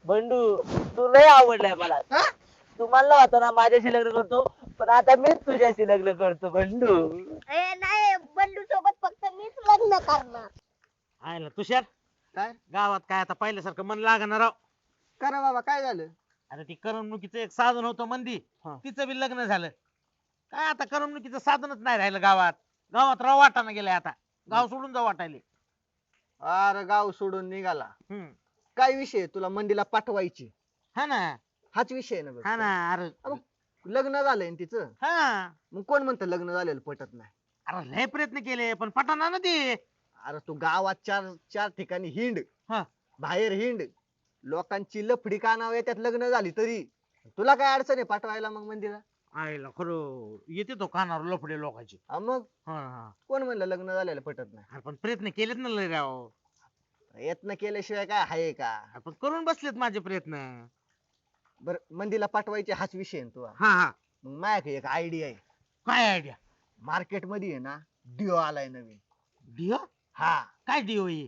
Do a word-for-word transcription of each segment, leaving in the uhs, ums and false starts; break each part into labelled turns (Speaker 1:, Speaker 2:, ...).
Speaker 1: बंडू तू लय आवडलाय मला. तू म्हणला होता ना माझ्याशी लग्न करतो, पण आता मीच तुझ्याशी लग्न करतो बंडू.
Speaker 2: ए नाही, बंडू सोबत फक्त मीच लग्न करणार.
Speaker 3: आहे ना तुषार.
Speaker 4: काय
Speaker 3: गावात काय आता पहिल्यासारखं मन लागणार राव.
Speaker 4: करा बाबा, काय झालं?
Speaker 3: अरे ती करमणुकीचं एक साधन होतं मंदी,
Speaker 4: हा.
Speaker 3: तिचं बी लग्न झालं. काय आता करमणुकीचं साधनच नाही राहिलं गावात. गावात राव वाटाना गेलाय आता. गाव सोडून जाऊ वाटायले.
Speaker 4: अरे गाव सोडून निघाला.
Speaker 3: हम्म.
Speaker 4: काय विषय, तुला मंडीला पाठवायची?
Speaker 3: हा ना.
Speaker 4: हाच विषय आहे ना बघ.
Speaker 3: हा ना. अरे
Speaker 4: अरे, लग्न झालंय ना तिचं.
Speaker 3: हा.
Speaker 4: मग कोण म्हणतं लग्न झालेलं पटत नाही?
Speaker 3: अरे लय प्रयत्न केले पण पटाना ना ते.
Speaker 4: अरे तू गावात चार चार ठिकाणी हिंड,
Speaker 3: हा.
Speaker 4: बाहेर हिंड, लोकांची लफडी कानावर येत्यात लग्न झाली तरी. तुला काय अडचण आहे पाठवायला मग मंदीला?
Speaker 3: आईला खरं येते तो कानावर लफडे लोकांचे.
Speaker 4: हा मग
Speaker 3: हा हा.
Speaker 4: कोण म्हणलं लग्न झालेलं पटत नाही?
Speaker 3: अरे पण प्रयत्न केलेत ना लय राव.
Speaker 4: यत्न केल्याशिवाय काय आहे का?
Speaker 3: अरे पण करून बसलेत माझे प्रयत्न.
Speaker 4: बर, मंदीला पाठवायचे हाच विषय आहे ना तुझा.
Speaker 3: हा हा.
Speaker 4: मग माझ्याकडे एक आयडिया आहे.
Speaker 3: काय आयडिया?
Speaker 4: मार्केट मध्ये आहे ना, डिओ आलाय नवीन.
Speaker 3: डिओ?
Speaker 4: हा,
Speaker 3: काय डिओ आहे?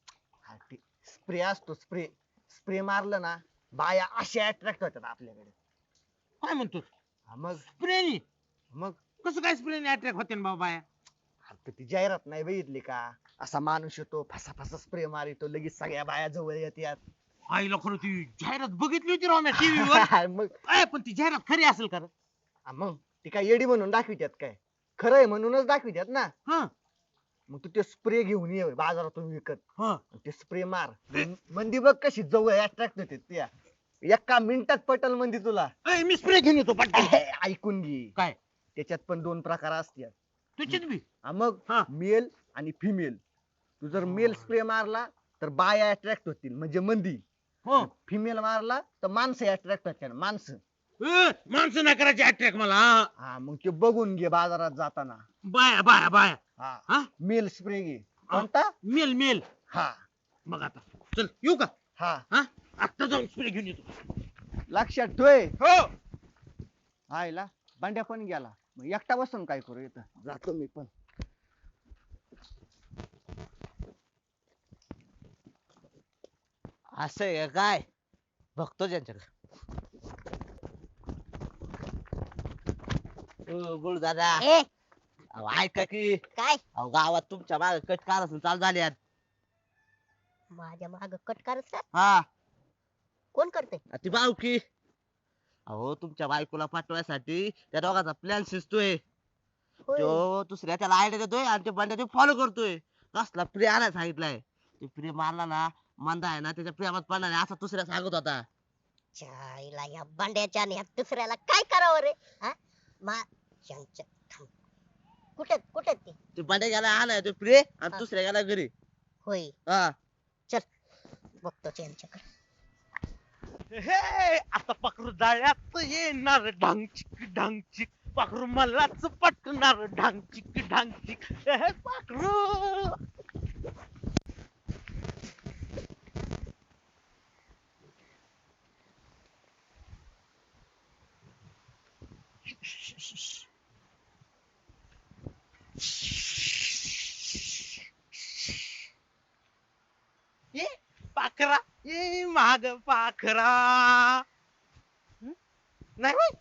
Speaker 4: स्प्रे असतो, स्प्रे. स्प्रे मारलं ना, बाया अशा अट्रॅक्ट होतात आपल्याकडे.
Speaker 3: काय म्हणतो?
Speaker 4: हा, मग
Speaker 3: स्प्रेनी?
Speaker 4: मग
Speaker 3: कसं काय स्प्रेनी अट्रॅक्ट होते ना बाबा बाया?
Speaker 4: आता ती जाहिरात नाही बघितली का? असा माणूस येतो, फसा फसा स्प्रे मारितो, लगेच सगळ्या बाया जवळ येतात.
Speaker 3: आईला खरं ती जाहिरात बघितली होती राव मी टीव्हीवर.
Speaker 4: मग
Speaker 3: अय पण ती जाहिरात खरी असेल का रे?
Speaker 4: हा, मग ती काय येडी म्हणून दाखवित्यात काय? खरं आहे म्हणूनच दाखवित्यात ना.
Speaker 3: हा
Speaker 4: मग तू ते स्प्रे घेऊन ये बाजारातून विकत.
Speaker 3: हा.
Speaker 4: ते स्प्रे मार. मंदी बघ कशी जवळ अट्रॅक्ट होते त्या. एका मिनिटात पटल मंदी तुला.
Speaker 3: अय मी स्प्रे घेऊन येतो पटकन.
Speaker 4: ऐकून घे.
Speaker 3: काय?
Speaker 4: त्याच्यात पण दोन प्रकार असतात.
Speaker 3: तुझीच बी?
Speaker 4: हा, मग
Speaker 3: हा.
Speaker 4: मेल आणि फिमेल. तू जर मेल स्प्रे मारला तर बाया अट्रॅक्ट होतील म्हणजे मंदी.
Speaker 3: हो.
Speaker 4: फिमेल मारला तर माणसं अट्रॅक्ट होतील, माणसं.
Speaker 3: ए, माणसं नाही करायची अट्रॅक्ट मला. हा.
Speaker 4: हा, मग ते बघून घे बाजारात जाताना.
Speaker 3: बाया बाया बाया.
Speaker 4: हा,
Speaker 3: हा
Speaker 4: मेल स्प्रे घे. कोणता?
Speaker 3: Male male.
Speaker 4: हा
Speaker 3: मग आता चल येऊ का?
Speaker 4: हा,
Speaker 3: हा आता जाऊन स्प्रे घेऊन येतो.
Speaker 4: लक्षात ठेव.
Speaker 3: हो.
Speaker 4: आयला बांड्या पण गेला. मग एकटा बसून काय करू, येतं जातो मी पण.
Speaker 1: असं आहे का काय? बघतो ज्यांच्याकडे. गुळ दादा,
Speaker 2: ए
Speaker 1: अहो, ऐका की.
Speaker 2: काय?
Speaker 1: अहो गावात तुमच्या मागे कट कारस्थान चालू झाले आहेत.
Speaker 2: माझ्या माग कटकारच का?
Speaker 1: हा,
Speaker 2: कोण करते?
Speaker 1: ती बावकी. अहो तुमच्या बायकोला पाठवायसाठी त्या दोघांचा प्लॅन शिजतोय.
Speaker 2: होय.
Speaker 1: तो दुसऱ्या त्याला आयडिया देतोय आणि ते बंड्या ते फॉलो करतोय. कसला प्रे आणायला सांगितलाय. ते प्रे मारला ना, मंदा आहे ना त्याच्या प्रेमात पडला नाही असं दुसऱ्या सांगत होता.
Speaker 2: चायला या बांड्याच्या आणि या दुसऱ्याला काय करावं रे? हा? मा यांच्या थांब. कुठे कुठे ते?
Speaker 1: ते बंड्या गेला आणाय तो प्रे आणि
Speaker 2: हा.
Speaker 1: दुसऱ्या गेला घरी.
Speaker 2: होय,
Speaker 1: हा,
Speaker 2: बघतोच यांच्याकडे.
Speaker 3: हे आता पाखरू जाळ्यात येणार ढांगचिक ढांगचिक. पाखरू मलाच पटणार ढांगचिक ढांगचिक. हे पाखरू. ये पाखरा ये माग पाखरा. हं? नाही होय?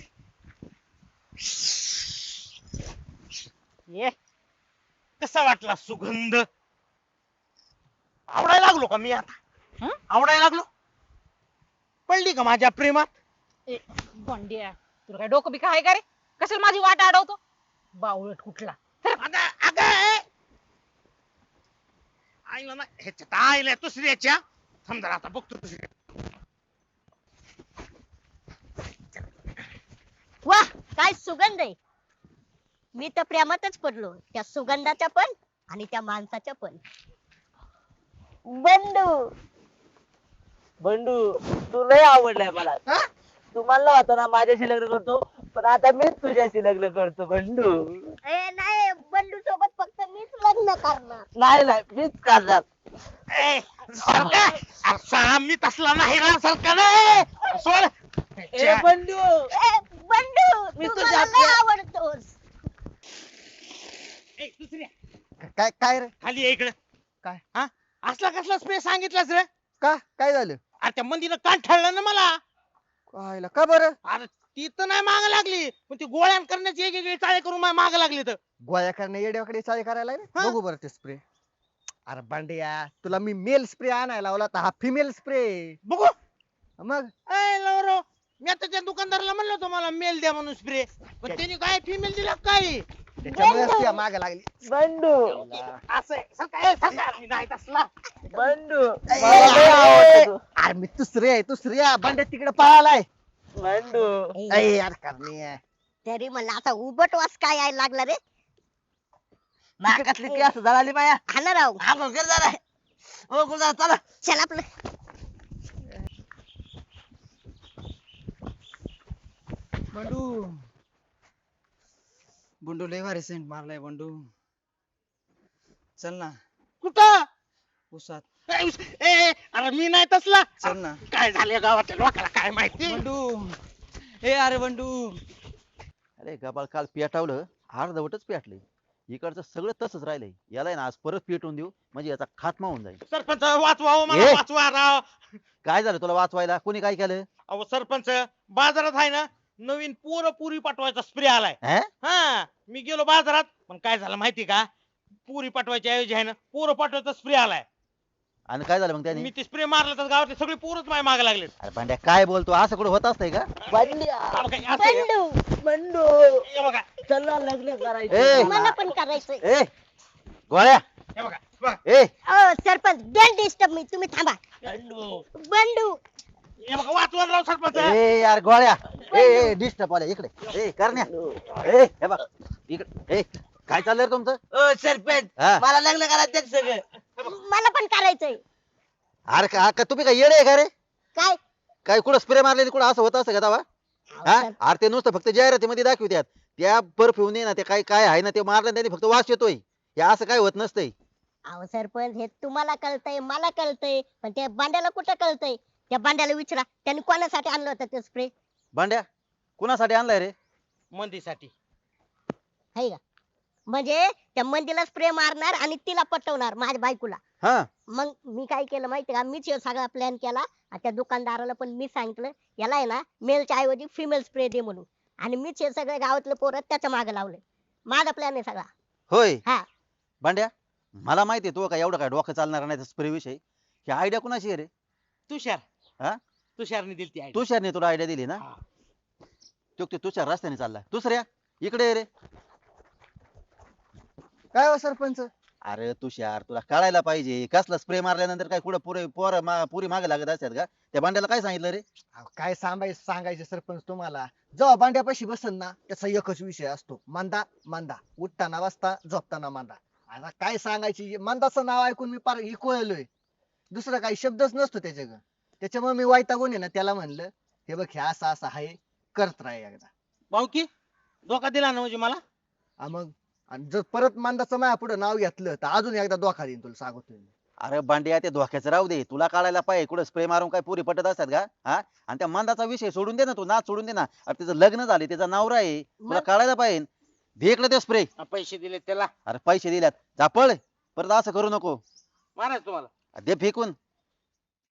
Speaker 3: ये कसा वाटला सुगंध? आवडायला लागलो का मी आता? हं? आवडायला लागलो? पडली का माझ्या प्रेमात?
Speaker 5: ए बंड्या, तुला काय डोकं बिका आहे का रे? कशाला माझी वाट अडवतो? बावळट कुठला.
Speaker 3: अगं अगं आईला ना ह्याच्यात आईला दुसऱ्याच्या. थांब जरा आता बघतो दुसऱ्या.
Speaker 2: वा, काय सुगंध आहे. मी तर प्रेमातच पडलो, त्या सुगंधाच्या पण आणि त्या माणसाच्या पण. बंडू
Speaker 1: बंडू तू लय आवडलाय मला. तू म्हणला होता ना माझ्याशी लग्न करतो, पण आता मीच तुझ्याशी लग्न करतो बंडू.
Speaker 2: ए नाही, बंडू सोबत फक्त मीच लग्न करणार.
Speaker 1: नाही नाही मीच करणार.
Speaker 3: ए, सरका. अरे साला मी तसला नाही ना सरका नाही. सोड.
Speaker 1: ए बंडू,
Speaker 2: ए बंडू,
Speaker 1: मी
Speaker 2: तू
Speaker 1: तुझ्या
Speaker 2: मला लय
Speaker 1: प्रे-
Speaker 2: आवडतोस.
Speaker 3: ए, दुसऱ्या
Speaker 4: काय काय रे?
Speaker 3: खाली ये इकडे.
Speaker 4: काय?
Speaker 3: हा असला कसला स्प्रे सांगितलास रे?
Speaker 4: का काय झालं?
Speaker 3: अरे त्या मंदीनं कान ठळलं ना मला.
Speaker 4: पाहायला का बरं?
Speaker 3: अरे ती तर नाही माग लागली पण ती गोळ्या करण्याची एक एक चाळे करून माग लागली तर.
Speaker 4: गोळ्या करणे येड्याकडे चाळे करायला रे.
Speaker 3: हा.
Speaker 4: बघू बरं ते स्प्रे. अरे बांड्या तुला मी मेल स्प्रे आणायला लावला तर हा फिमेल स्प्रे.
Speaker 3: बघू.
Speaker 4: मग
Speaker 3: ए लवरो, मी आता त्या दुकानदाराला म्हणलं होतं मला मेल द्या म्हणून स्प्रे, पण त्यांनी काय फिमेल दिला काय.
Speaker 4: त्याच्यामुळे माग लागली.
Speaker 3: असं आहे. सरका, ए, सरका. नाही तसला.
Speaker 4: अरे मी दुसरे आहे दुसऱ्या बांड्या तिकडे पळालाय.
Speaker 2: ए,
Speaker 4: अरे यार करणे
Speaker 2: तरी म्हणलं आता उबट वास काय यायला लागला रे.
Speaker 1: नाकातली केस जळाली माया.
Speaker 2: हा ना राव.
Speaker 1: आंघोळ कर जरा. हो गुरुदादा चला.
Speaker 2: चल आपलं.
Speaker 6: बंडू बंडू लय भारी सेंट मारलाय बंडू. चल ना
Speaker 3: कुठं.
Speaker 6: उसात
Speaker 3: ए, उस- ए, ए, अरे मी नाही तसला.
Speaker 6: चल ना
Speaker 3: काय झालं गावातल्या लोकांना काय माहिती.
Speaker 6: बंडू. ए अरे बंडू.
Speaker 7: अरे गबाळ काल पेटावलं अर्धवटच पेटलंय. इकडचं सगळं तसंच राहिलंय. याला आहे ना आज परत पेटवून देऊ म्हणजे याचा खात्मा होऊन जाईल.
Speaker 3: सरपंच वाचवा हो, मला
Speaker 7: ए.
Speaker 3: वाचवा राव.
Speaker 7: काय झालं तुला वाचवायला कोणी काय केलं?
Speaker 3: अहो सरपंच, बाजारात आहे ना नवीन पोरं पुरी पाठवायचा स्प्रे आलाय.
Speaker 7: हे?
Speaker 3: हा मी गेलो बाजारात पण काय झालं माहिती का, पुरी पाठवायच्या ऐवजी आहे ना पोरं पाठवायचा स्प्रे आलाय.
Speaker 7: आणि काय झालं मग त्याने?
Speaker 3: मी ते स्प्रे मारला तर गावातले सगळे पोरच माझ्या मागे लागले.
Speaker 7: अरे भांड्या काय बोलतो असं कुठं होत असतंय का?
Speaker 2: बंडू
Speaker 1: लग्न करायचं.
Speaker 7: ए
Speaker 2: मला पण करायचंय.
Speaker 7: ए गोळ्या ए
Speaker 2: अ सरपंच डोंट डिस्टर्ब मी. तुम्ही थांबा. बंडू
Speaker 3: वाचवा राव सरपंच.
Speaker 7: ए यार गोळ्या ए ए डिस्टर्ब आल्या इकडे. ए करण्या ए हे बघ इकडे. ए काय चाललंय रे तुमचं?
Speaker 1: ओ सरपंच
Speaker 7: हा.
Speaker 1: मला लग्न करायचं सगळं.
Speaker 2: मला पण करायचंय.
Speaker 7: अरे का का- तुम्ही काय येडे आहे का रे?
Speaker 2: काय
Speaker 7: काय कुठं स्प्रे मारलेली कुठं असं होत असं का दावा? हा
Speaker 2: अहो, सर-
Speaker 7: अरे ते नुसतं फक्त जाहिरातीमध्ये दाखवतात. त्या परफ्यूम ना ते काय काय आहे ना ते मारलं त्याने फक्त वास येतोय. हे असं काय होत नसतंय.
Speaker 2: अहो सरपंच हे तुम्हाला कळतंय मला कळतंय पण त्या बांड्याला कुठं कळतंय. त्या बांड्याला विचारा त्यांनी कोणासाठी आणलं होतं ते स्प्रे.
Speaker 7: भांड्या कुणासाठी आणलाय रे?
Speaker 3: मंदीसाठी.
Speaker 2: आहे का म्हणजे त्या मंदीला स्प्रे मारणार आणि तिला पटवणार माझ्या बायकोला.
Speaker 7: हा
Speaker 2: मग मी काय केलं माहिती का, मीच हे सगळा प्लॅन केला आणि त्या दुकानदाराला पण मी सांगितलं याला आहे ना मेलच्या ऐवजी फिमेल स्प्रे दे म्हणून. आणि मीच हे सगळे गावातले पोरं त्याच्या मागे लावले. माझा प्लॅन आहे सगळा.
Speaker 7: होय
Speaker 2: हा
Speaker 7: भांड्या मला माहिती आहे तू काय एवढं काय डोकं चालणार नाही स्प्रे विषयी. ही आयडिया कुणाची आहे रे?
Speaker 3: तुषार.
Speaker 7: हा?
Speaker 3: तुषारने दिली ती idea.
Speaker 7: तुषारने तुला आयडिया दिली ना?
Speaker 3: हा.
Speaker 7: तो तो तुषार रस्त्याने चालला. दुसऱ्या इकडे ये रे.
Speaker 4: काय हो सरपंच?
Speaker 7: अरे तुषार तुला कळायला पाहिजे कसला स्प्रे मारल्यानंतर काय कुठं पुरे पोर पुरी मागे लागत असतात का? त्या भांड्याला काय सांगितलं रे?
Speaker 4: अहो, काय सांगायचं सांगायचे सरपंच तुम्हाला. जेव्हा बांड्यापाशी बसन ना त्याचा एकच विषय असतो मंदा मंदा. उठताना वाजता झोपताना मंदा. आता काय सांगायची मंदाचं नाव ऐकून मी पार इकोळलोय. दुसरा काही शब्दच नसतो त्याच्या ग. त्याच्यामुळे मी वैतागून आहे ना त्याला म्हणलं हे बघ हे असं असं आहे करत राह एकदा.
Speaker 3: भाऊकी धोका दिला ना म्हणजे मला.
Speaker 4: हा मग आणि जर परत मंदाचं माझ्या पुढे नाव घेतलं तर अजून एकदा धोका देईन तुला सांगतोय मी.
Speaker 7: अरे भांड्या ते धोक्याचं राहू दे. तुला कळायला पाहिजे कुठं स्प्रे मारून काय पुरी पटत असतात का? हा आणि त्या मंदाचा विषय सोडून दे ना तू नाच सोडून दे ना. अरे त्याचं लग्न झाले त्याचा नवरा आहे तुला
Speaker 2: मग?
Speaker 7: कळायला पाहिजे. दे इकडे ते स्प्रे.
Speaker 3: पैसे दिले त्याला
Speaker 7: अरे पैसे दिल्यात जा पळ. परत असं करू नको.
Speaker 3: मारायचं तुम्हाला.
Speaker 7: दे फेकून.